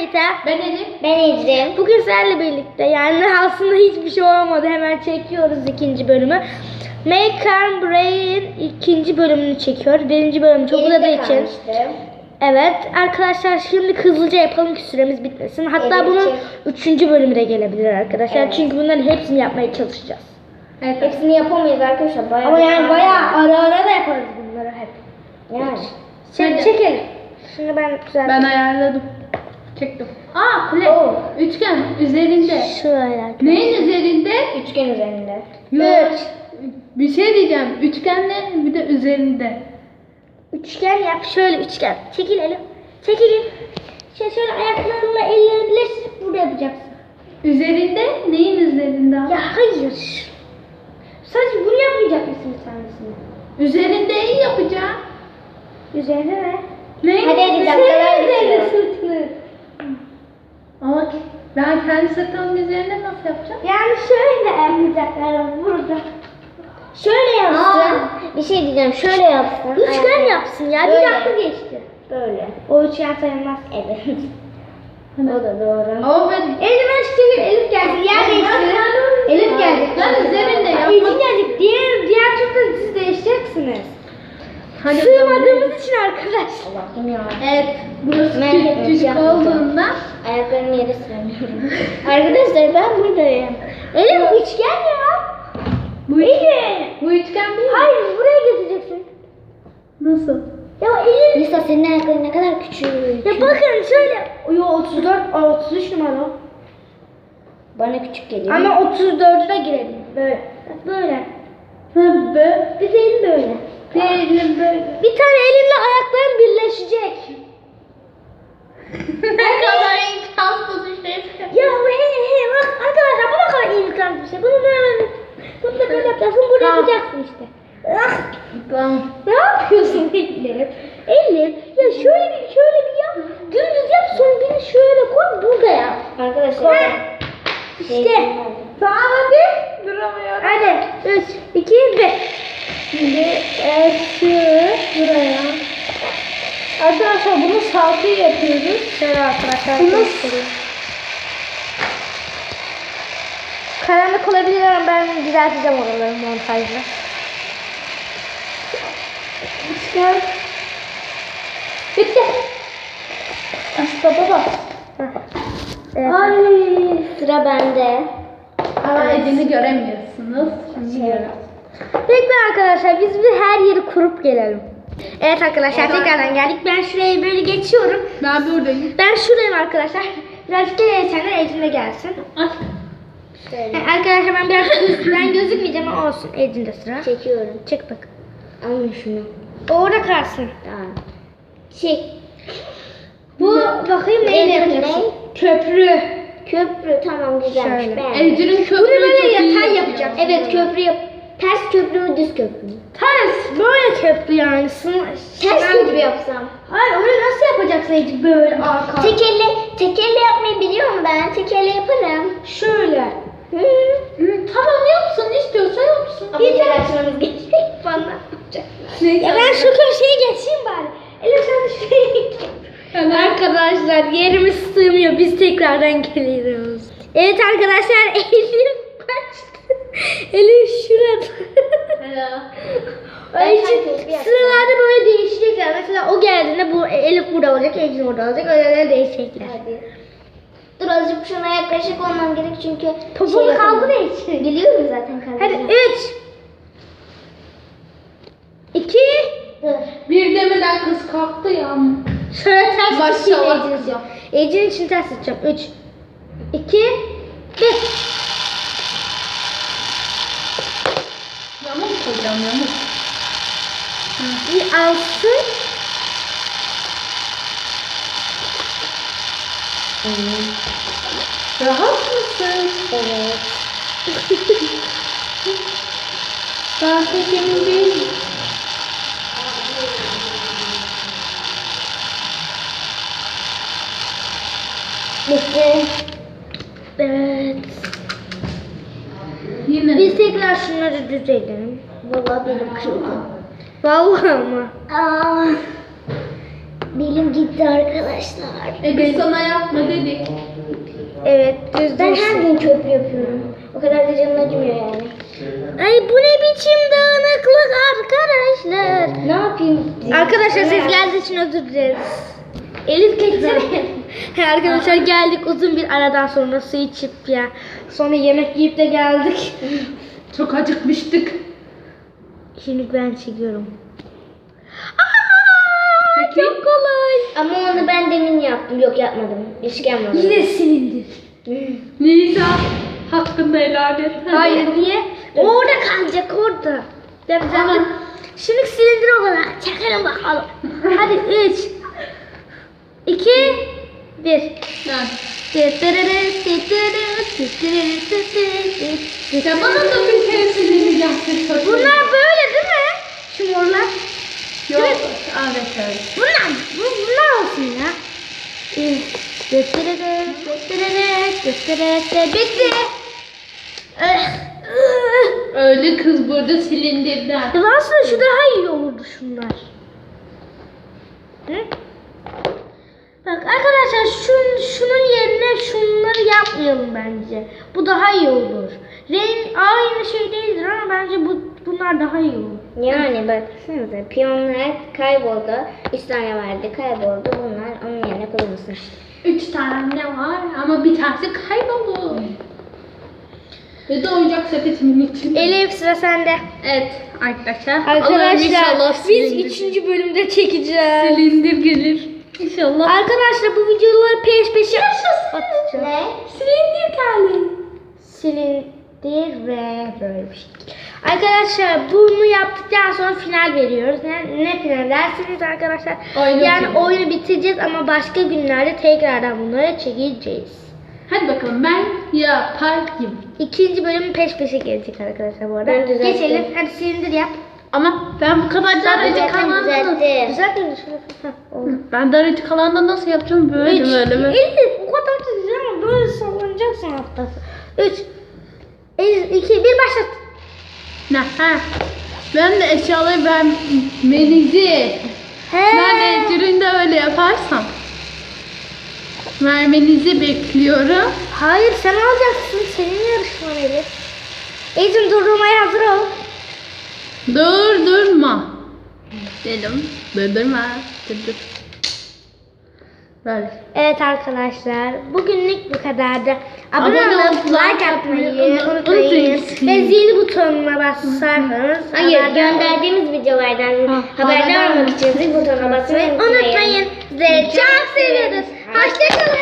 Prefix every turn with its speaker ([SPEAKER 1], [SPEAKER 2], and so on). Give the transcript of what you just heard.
[SPEAKER 1] Meta.
[SPEAKER 2] Ben Elif.
[SPEAKER 3] Ben Ecrin.
[SPEAKER 1] Bugün sizlerle birlikte yani aslında hiçbir şey olmadı. Hemen çekiyoruz ikinci bölümü. Make and Brain ikinci bölümünü çekiyoruz. Birinci bölüm çok uzadığı için. Evet arkadaşlar şimdi hızlıca yapalım ki süremiz bitmesin. Hatta
[SPEAKER 3] Evet,
[SPEAKER 1] bunun üçüncü bölümü de gelebilir arkadaşlar.
[SPEAKER 3] Evet.
[SPEAKER 1] Çünkü bunların hepsini yapmaya çalışacağız.
[SPEAKER 2] Evet.
[SPEAKER 3] Hepsini yapamayız arkadaşlar. Bayağı
[SPEAKER 1] Ama yani bayağı ara ara da yaparız bunları hep.
[SPEAKER 3] Yani.
[SPEAKER 1] Çekelim. Şimdi ben güzel.
[SPEAKER 2] Ben ayarladım. Çektim. Aa kule.
[SPEAKER 3] Oo.
[SPEAKER 2] Üçgen üzerinde.
[SPEAKER 1] Şöyle.
[SPEAKER 2] Neyin üzerinde?
[SPEAKER 3] Üçgen üzerinde.
[SPEAKER 2] Yok. Bir şey diyeceğim. Üçgenle bir de üzerinde.
[SPEAKER 1] Üçgen yap. Şöyle üçgen. Çekilelim. Çekilin. Şöyle ayaklarınla ellerini birleştirip burada yapacaksın.
[SPEAKER 2] Üzerinde neyin üzerinde?
[SPEAKER 1] Ya hayır. Sadece bunu yapmayacak mısın bir tanesini?
[SPEAKER 2] Üzerinde iyi yapacağım.
[SPEAKER 1] Üzerine ne?
[SPEAKER 2] Ne?
[SPEAKER 3] Hadi hadi dakikalar
[SPEAKER 1] Üzerine
[SPEAKER 3] bitiyor.
[SPEAKER 1] sırtını.
[SPEAKER 2] Ama ben kendi sırtımın üzerine nasıl yapacağım?
[SPEAKER 1] Yani şöyle yapacaklar burada.
[SPEAKER 3] Şöyle yapsın. Bir şey diyeceğim. Şöyle yapsın.
[SPEAKER 1] Üçgen
[SPEAKER 3] Aynen.
[SPEAKER 1] yapsın ya.
[SPEAKER 3] Böyle.
[SPEAKER 1] Bir dakika geçti.
[SPEAKER 3] Böyle.
[SPEAKER 1] O üçgen sayılmaz.
[SPEAKER 3] Evet. O da doğru.
[SPEAKER 2] Ama ben...
[SPEAKER 1] Eldiven çekelim. Elif geldi. Yer değiştirin. Elif gelecek.
[SPEAKER 2] Ben üzerinde yapmak...
[SPEAKER 1] Elif gelecek. Diğer turda siz değişeceksiniz.
[SPEAKER 2] Hadi
[SPEAKER 1] Sığmadığımız için arkadaşlar.
[SPEAKER 3] Allah'ım ya.
[SPEAKER 2] Evet. Burası
[SPEAKER 3] Merak etme,
[SPEAKER 2] küçük
[SPEAKER 3] yapmayacağım.
[SPEAKER 2] olduğundan.
[SPEAKER 3] Ayaklarımı yere süremiyorum. Arkadaşlar ben buradayım.
[SPEAKER 1] Elif üçgen ya.
[SPEAKER 2] Bu,
[SPEAKER 1] Elif.
[SPEAKER 2] bu üçgen değil mi?
[SPEAKER 1] Hayır buraya getireceksin.
[SPEAKER 2] Nasıl?
[SPEAKER 1] Ya Elif.
[SPEAKER 3] Lisa senin ayakların ne kadar küçük.
[SPEAKER 1] Ya bakın şöyle. Yo 34, 33 numara o.
[SPEAKER 3] Bana küçük geliyor.
[SPEAKER 1] Ama 34'e girelim. Böyle. Bak böyle.
[SPEAKER 2] Ha böyle.
[SPEAKER 1] Bir değil böyle.
[SPEAKER 2] Diyelim böyle.
[SPEAKER 1] Bir tane elimle ayaklarım birleşecek.
[SPEAKER 2] Ne kadar imkansız bir şey.
[SPEAKER 1] Ya he bak arkadaşlar bu ne kadar imkansız bir şey. Bunu da böyle yapacaksın. Burada
[SPEAKER 2] Tamam.
[SPEAKER 1] yapacaksın işte. Ah,
[SPEAKER 2] Tamam.
[SPEAKER 1] ne yapıyorsun Elif? Elif ya şöyle bir yap. Dümdüz yap sonra beni şöyle koy burada yap.
[SPEAKER 3] Arkadaşlar.
[SPEAKER 1] İşte. Tamam hadi.
[SPEAKER 2] Duramıyorum.
[SPEAKER 1] Hadi 3, 2, 1. Şimdi şu buraya. Arkadaşlar bunu salkı yapıyoruz. Şöyle arkadaşlar göstereyim. Karanlık olabilir ama ben düzelteceğim oraları montajla. İşte. Bitti. İşte baba. Evet.
[SPEAKER 3] Ay sıra bende.
[SPEAKER 2] Ama elini göremiyorsunuz. Şimdi görüyoruz.
[SPEAKER 1] Bekle arkadaşlar biz bir her yeri kurup gelelim. Evet arkadaşlar tekrardan geldik. Ben şuraya böyle geçiyorum.
[SPEAKER 2] Ben buradayım.
[SPEAKER 1] Ben şuradayım arkadaşlar. Birazcık da geçenler Ecrin'e gelsin.
[SPEAKER 2] Ay.
[SPEAKER 3] Şöyle.
[SPEAKER 1] Yani arkadaşlar ben biraz üstten gözükmeyeceğim ama olsun. Ecrin'de sıra.
[SPEAKER 3] Çekiyorum.
[SPEAKER 1] Çek bak.
[SPEAKER 3] Alın şunu.
[SPEAKER 1] O orada kalsın.
[SPEAKER 3] Tamam. Çek.
[SPEAKER 1] Bu bakayım neyle
[SPEAKER 3] Ne?
[SPEAKER 1] yapacaksın? Köprü.
[SPEAKER 3] Köprü tamam güzelmiş.
[SPEAKER 1] Şöyle.
[SPEAKER 3] Beğendim.
[SPEAKER 2] Ecrin köprüyü
[SPEAKER 1] Bunu böyle
[SPEAKER 2] çok iyi
[SPEAKER 1] yatay
[SPEAKER 2] yapıyor.
[SPEAKER 1] yapacaksın.
[SPEAKER 3] Evet köprü yap. Ters köprü mü düz köprü mü?
[SPEAKER 1] Ters. Böyle köprü yani.
[SPEAKER 3] Ters köprü yapsam.
[SPEAKER 1] Hayır öyle nasıl yapacaksın Ecrin? Böyle arka.
[SPEAKER 3] Tekerle yapmayı biliyorum ben. Tekerle yaparım.
[SPEAKER 1] Şöyle.
[SPEAKER 3] Hı.
[SPEAKER 2] Tamam yapsın istiyorsa yapsın.
[SPEAKER 3] Ama yer açmamız gerekecek bana.
[SPEAKER 1] Ya ben şu köşeye geçeyim bari. Elif sen de şuraya geç. Arkadaşlar yerimiz sığmıyor. Biz tekrardan geliyoruz. Evet arkadaşlar Elif kaçtı. Elif şurada.
[SPEAKER 3] Ben
[SPEAKER 1] Ay, için
[SPEAKER 3] sanki bir yapsam.
[SPEAKER 1] sıralarda böyle değişecekler. Mesela o geldiğinde bu Elif burada olacak, Ecrin orada olacak. Öyle değişecekler.
[SPEAKER 3] Hadi. Dur azıcık şuna yaklaşık olmam gerek çünkü
[SPEAKER 1] Topuğunu
[SPEAKER 3] yapamam.
[SPEAKER 1] kaldır Ecrin.
[SPEAKER 3] Biliyorum zaten
[SPEAKER 1] Hadi
[SPEAKER 3] kaldıracağım.
[SPEAKER 1] 3 2
[SPEAKER 3] Dur.
[SPEAKER 2] Bir demeden kız kalktı ya.
[SPEAKER 1] Şöyle ters
[SPEAKER 2] Maşallah
[SPEAKER 1] tutayım Ecrin
[SPEAKER 2] kızım.
[SPEAKER 1] için. Ecrin için ters tutacağım. 3 2 1
[SPEAKER 2] Yamuk koyacağım yamuk.
[SPEAKER 1] Bir alsın.
[SPEAKER 2] Rahat mısın?
[SPEAKER 3] Evet.
[SPEAKER 2] Ben pek emin değilim.
[SPEAKER 3] Bitti.
[SPEAKER 1] Evet.
[SPEAKER 2] Yine.
[SPEAKER 1] Biz tekrar şunları düzelim.
[SPEAKER 3] Vallahi benim kırıldı.
[SPEAKER 1] Vallahi ama.
[SPEAKER 3] Aa. Belim gitti arkadaşlar.
[SPEAKER 2] Biz sana yapma dedik.
[SPEAKER 1] Evet düz
[SPEAKER 3] Ben
[SPEAKER 1] dursun.
[SPEAKER 3] her gün köprü yapıyorum. O kadar da canım acımıyor yani.
[SPEAKER 1] Ay bu ne biçim dağınıklık arkadaşlar.
[SPEAKER 3] Ne yapayım?
[SPEAKER 1] Arkadaşlar siz geldiği için özür dileriz. Elif geçsene. Arkadaşlar geldik uzun bir aradan sonra su içip ya. Sonra yemek yiyip de geldik.
[SPEAKER 2] Çok acıkmıştık.
[SPEAKER 1] Şimdi ben çekiyorum. Aa, çok kolay.
[SPEAKER 3] Ama onu ben demin yaptım. Yok yapmadım. Hiç yapmadım.
[SPEAKER 1] Yine silindir.
[SPEAKER 2] Nisa hakkında helal et.
[SPEAKER 1] Hayır niye? Orada kalacak orada. Ben zaten
[SPEAKER 2] Tamam.
[SPEAKER 1] şimdi silindir olarak çekelim bakalım. Hadi 3 2 1
[SPEAKER 2] Ya bana da bir kere silini yaptık.
[SPEAKER 1] Bunlar böyle değil mi? Şu morlar.
[SPEAKER 2] Yok. Evet.
[SPEAKER 1] Bunlar olsun ya. Bitti.
[SPEAKER 2] Öyle kız burada silindirden.
[SPEAKER 1] Aslında şu daha iyi olurdu şunlar. Hı? Bak arkadaşlar şunun yerine şunları yapmayalım bence. Bu daha iyi olur. Renk aynı şey değildir ama bence bunlar daha iyi olur.
[SPEAKER 3] Yani baksanıza piyonlar kayboldu. 3 tane vardı kayboldu. Bunlar onun yerine kullanılsın.
[SPEAKER 2] 3 tane var ama bir tanesi kayboldu. Ve de oyuncak sepetimin içinde.
[SPEAKER 1] Elif sıra sende.
[SPEAKER 2] Evet arkadaşlar.
[SPEAKER 1] Arkadaşlar biz 3. bölümde çekeceğiz.
[SPEAKER 2] silindir gelir. İnşallah.
[SPEAKER 1] Arkadaşlar bu videoları peş peşe atacağız.
[SPEAKER 3] Ne?
[SPEAKER 2] Silindir geldi.
[SPEAKER 1] Silindir ve böyle bir şey. Arkadaşlar bunu yaptıktan sonra final veriyoruz. Ne final dersiniz arkadaşlar?
[SPEAKER 2] Oyunu
[SPEAKER 1] yani
[SPEAKER 2] bitireceğiz.
[SPEAKER 1] oyunu bitireceğiz ama başka günlerde tekrardan bunları çekeceğiz.
[SPEAKER 2] Hadi bakalım ben yapayım.
[SPEAKER 1] 2. bölüm peş peşe gelecek arkadaşlar bu arada.
[SPEAKER 3] Ben düzelttim.
[SPEAKER 1] Geçelim. Hadi silindir yap.
[SPEAKER 2] Ama ben bu kadar daracık
[SPEAKER 3] Düzelttim
[SPEAKER 2] alanda
[SPEAKER 3] düzelttim.
[SPEAKER 1] Güzel mi? Oldu.
[SPEAKER 2] ben daracık alanda nasıl yapacağım böyle
[SPEAKER 1] Üç.
[SPEAKER 2] böyle mi?
[SPEAKER 1] Elif o kadar da güzel ama böyle sallanacaksın hatta. 3 2 1 başlat.
[SPEAKER 2] Ne? Ha. Ben de eşyaları vermenizi. Ben de ecüründe öyle yaparsam. Vermenizi bekliyorum.
[SPEAKER 1] Hayır sen alacaksın. Senin yarışman Elif. Ecim durdurmaya hazır ol.
[SPEAKER 2] Durdurma. Dedim. Durdurma. Dur. Böyle.
[SPEAKER 1] Evet arkadaşlar bugünlük bu kadardı.
[SPEAKER 2] Abone
[SPEAKER 1] Abone olup
[SPEAKER 2] olup
[SPEAKER 1] like atmayı unutmayın.
[SPEAKER 2] unutmayın.
[SPEAKER 1] Ve zil butonuna basarsanız
[SPEAKER 3] Hayır
[SPEAKER 1] haberdar
[SPEAKER 3] gönderdiğimiz videolardan haberdar olmak için zil butonuna basmayı
[SPEAKER 1] unutmayın. Sizi çok seviyoruz. Hoşçakalın.